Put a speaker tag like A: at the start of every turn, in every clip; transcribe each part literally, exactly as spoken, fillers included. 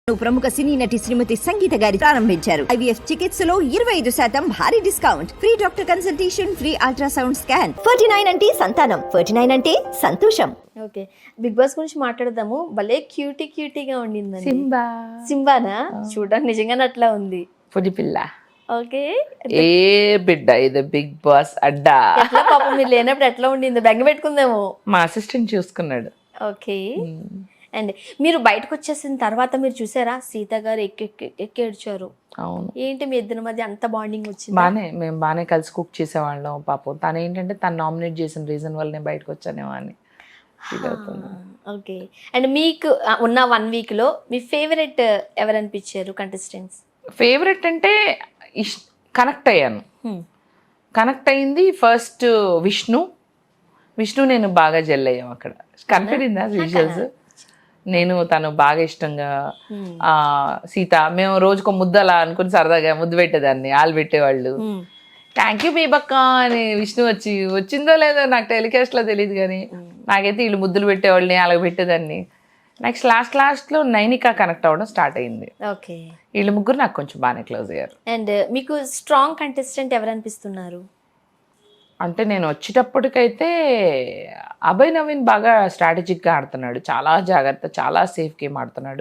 A: ప్రముఖ సినీ నటి శ్రీమతి సంగీత గారి ప్రారంభించారు. ఐవీఎఫ్ చికిత్సలో ఇరవై ఐదు శాతం భారీ discount, free doctor consultation, free ultrasound scan. Forty nine అంటే సంతానం, ఫార్టీ నైన్ అంటే సంతోషం.
B: ఓకే, బిగ్ బాస్ గురించి మాట్లాడదాము. భలే క్యూటీ క్యూటీగా ఉండింది.
C: సింబా
B: సింబానా? చూడడానికి నిజంగానే అట్లా ఉంది.
C: పుడి పిల్ల.
B: ఓకే,
C: ఏ బిడ్డ ఇది బిగ్ బాస్ అడ్డా.
B: ఎట్లా పాపం మీరు లేనప్పుడు ఎట్లా ఉండింది? బెంగ పెట్టుకుందేమో.
C: మా అసిస్టెంట్ చూసుకున్నాడు.
B: ఓకే, అండ్ మీరు బయటకు వచ్చేసిన తర్వాత మీరు చూసారా సీత గారు ఎక్కి ఎక్కి ఏడ్చారు.
C: అవును,
B: ఏంటి మీ ఇద్దరి మధ్య అంత బాండింగ్ వచ్చింది?
C: బానే, మేము బాగానే కలిసి కుక్ చేసేవాళ్ళం. పాపం తను ఏంటంటే తను నామినేట్ చేసిన రీజన్ వల్ల నేను బయటకు వచ్చానేమో అని ఫీల్ అవుతుంది.
B: ఓకే, అండ్ మీకు ఉన్న వన్ వీక్ లో మీ ఫేవరెట్ ఎవరు అనిపించారు కంటెస్టెంట్స్?
C: ఫేవరెట్ అంటే ఇష్ కనెక్ట్ అయ్యాను. కనెక్ట్ అయింది ఫస్ట్ విష్ణు. విష్ణు నేను బాగా జెల్ అయ్యాం అక్కడ. కనపడిందా విజువల్స్? నేను తను బాగా ఇష్టంగా ఆ సీత, మేము రోజుకో ముద్దు అలా అనుకుని సరదాగా ముద్దు పెట్టేదాన్ని, ఆలు పెట్టేవాళ్ళు. థ్యాంక్ యూ బేబక్క అని విష్ణు వచ్చి వచ్చిందో లేదో నాకు టెలికాస్ట్ లో తెలియదు, కానీ నాకైతే వీళ్ళు ముద్దులు పెట్టేవాళ్ళని అలాగ పెట్టేదాన్ని. నెక్స్ట్ లాస్ట్ లాస్ట్ లో నైనికా కనెక్ట్ అవ్వడం స్టార్ట్ అయింది.
B: ఓకే,
C: వీళ్ళు ముగ్గురు నాకు కొంచెం బాగానే క్లోజ్ అయ్యారు.
B: అండ్ మీకు స్ట్రాంగ్ కంటెస్టెంట్ ఎవరు అనిపిస్తున్నారు?
C: అంటే నేను వచ్చేటప్పటికైతే అభయ్ నవీన్ బాగా స్ట్రాటజిక్గా ఆడుతున్నాడు, చాలా జాగ్రత్త, చాలా సేఫ్ గేమ్ ఆడుతున్నాడు.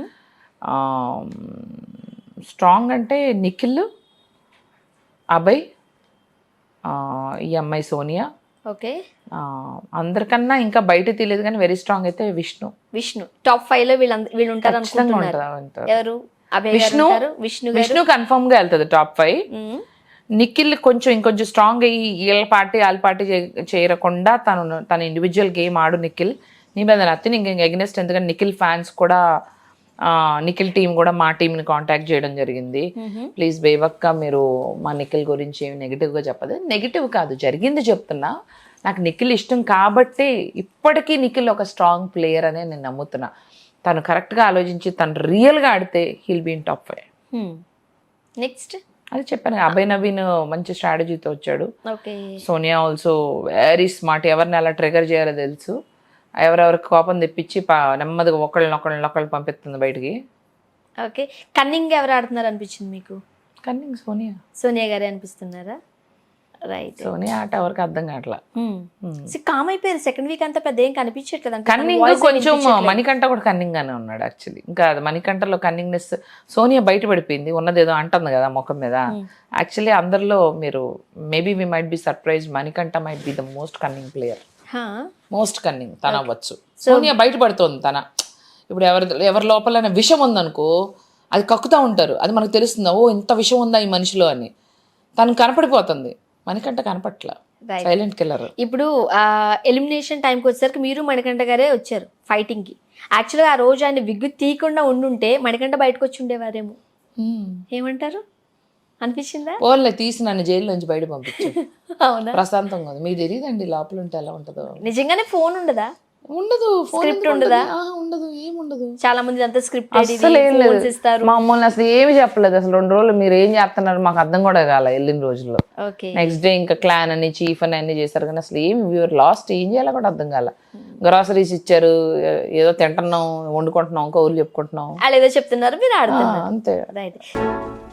C: స్ట్రాంగ్ అంటే నిఖిల్, అభయ్, ఈ అమ్మాయి సోనియా.
B: ఓకే,
C: అందరికన్నా ఇంకా బయట తెలియదు కానీ వెరీ స్ట్రాంగ్ అయితే విష్ణు.
B: విష్ణు టాప్ ఫైవ్ లో వీళ్ళు వీళ్ళు ఉంటారు అనుకుంటున్నారు. ఎవరు? అభయ్
C: విష్ణు.
B: విష్ణు
C: విష్ణు కన్ఫర్మ్ గా వెళ్తుంది టాప్ ఫైవ్. నిఖిల్ కొంచెం ఇంకొంచెం స్ట్రాంగ్ అయ్యి వీళ్ళ పార్టీ వాళ్ళ పార్టీ చేరకుండా తను తన ఇండివిజువల్ గేమ్ ఆడు నిఖిల్. నీ మీద నత్తి ఇంక ఎగ్నెస్ట్, ఎందుకంటే నిఖిల్ ఫ్యాన్స్ కూడా నిఖిల్ టీం కూడా మా టీంని కాంటాక్ట్ చేయడం జరిగింది. ప్లీజ్ బేవక్క మీరు మా నిఖిల్ గురించి ఏమి నెగిటివ్గా చెప్పదు. నెగిటివ్ కాదు, జరిగింది చెప్తున్నా. నాకు నిఖిల్ ఇష్టం కాబట్టి ఇప్పటికీ నిఖిల్ ఒక స్ట్రాంగ్ ప్లేయర్ అనే నేను నమ్ముతున్నా. తను కరెక్ట్గా ఆలోచించి తను రియల్గా ఆడితే he'll be in top five.
B: Next
C: అది చెప్పాను, అభయ్ నవీన్ మంచి స్ట్రాటజీతో వచ్చాడు.
B: Okay,
C: Sonia also very smart, ఎవరిని అలా ట్రిగర్ చేయాలో తెలుసు. ఎవరెవరికి కోపం తెప్పించి నెమ్మదిగా ఒకళ్ళని ఒకళ్ళని ఒకళ్ళు పంపిస్తుంది బయటికి.
B: ఓకే, కన్నింగ్ ఎవరు ఆడుతున్నారు అనిపించింది మీకు?
C: కన్నింగ్ సోనియా.
B: సోనియా గారే అనిపిస్తున్నారా? రైట్,
C: సోనియా ఆట ఎవరికి అర్థం కావట్లా.
B: కామ్ అయిపోయారు సెకండ్ వీక్ అంతా, పెద్ద ఏం కనిపించట్లేదు.
C: కన్నింగ్ కొంచెం మణికంఠ కూడా కన్నింగ్ గానే ఉన్నాడు యాక్చువల్లీ. ఇంకా మణికంఠలో కన్నింగ్నెస్ సోనియా బయట పడిపోయింది, ఉన్నదేదో అంటుంది కదా ముఖం మీద. యాక్చువల్లీ అందరిలో మీరు maybe we might be surprise, Manikanta might be the most cunning player. Most cunning తన అవ్వచ్చు. సోనియా బయట పడుతోంది తన. ఇప్పుడు ఎవరి ఎవరి లోపల విషం ఉందనుకో, అది కక్కుతూ ఉంటారు, అది మనకు తెలుస్తుంది, ఓ ఇంత విషం ఉందా ఈ మనిషిలో అని. తను కనపడిపోతుంది, మణికంఠ కనపట్ల, సైలెంట్ కిల్లర్.
B: ఇప్పుడు ఎలిమినేషన్ టైంకి వచ్చేసరికి మీరు మణికంఠ గారే వచ్చారు ఫైటింగ్ కి. యాక్చువల్గా ఆ రోజు ఆయన విగ్గు తీయకుండా ఉండుంటే మణికంఠ బయటకు వచ్చి ఉండేవారేమో, ఏమంటారు? అనిపించిందా?
C: ఓన్లే తీసి నన్ను జైలు నుంచి బయట పంపించారు.
B: అవునా?
C: ప్రశాంతంగా ఉంది. మీకు తెలియదండి లోపల ఉంటే ఎలా ఉంటుందో.
B: నిజంగానే ఫోన్ ఉండదా?
C: ఉండదు.
B: స్క్రిప్ట్ ఉండదా?
C: ఉండదు, ఏముండదు.
B: చాలా మంది అంతా స్క్రిప్ట్ ఇస్తారు.
C: మమ్మల్ని అసలు ఏమి చెప్పలేదు. అసలు రెండు రోజులు మీరు ఏం చేస్తున్నారు మాకు అర్థం కూడా కాల వెళ్ళిన రోజుల్లో. నెక్స్ట్ డే ఇంకా క్లాన్ అని చీఫ్ అని అన్ని చేశారు, కానీ అసలు ఏం వ్యూర్ లాస్ట్ ఏం చేయాలో కూడా అర్థం కాల. గ్రాసరీస్ ఇచ్చారు, ఏదో తింటున్నాం, వండుకుంటున్నాం, కౌలు చెప్పుకుంటున్నాం,
B: వాళ్ళు ఏదో చెప్తున్నారు, మీరు ఆడుతున్నారు
C: అంతే.
B: రైట్.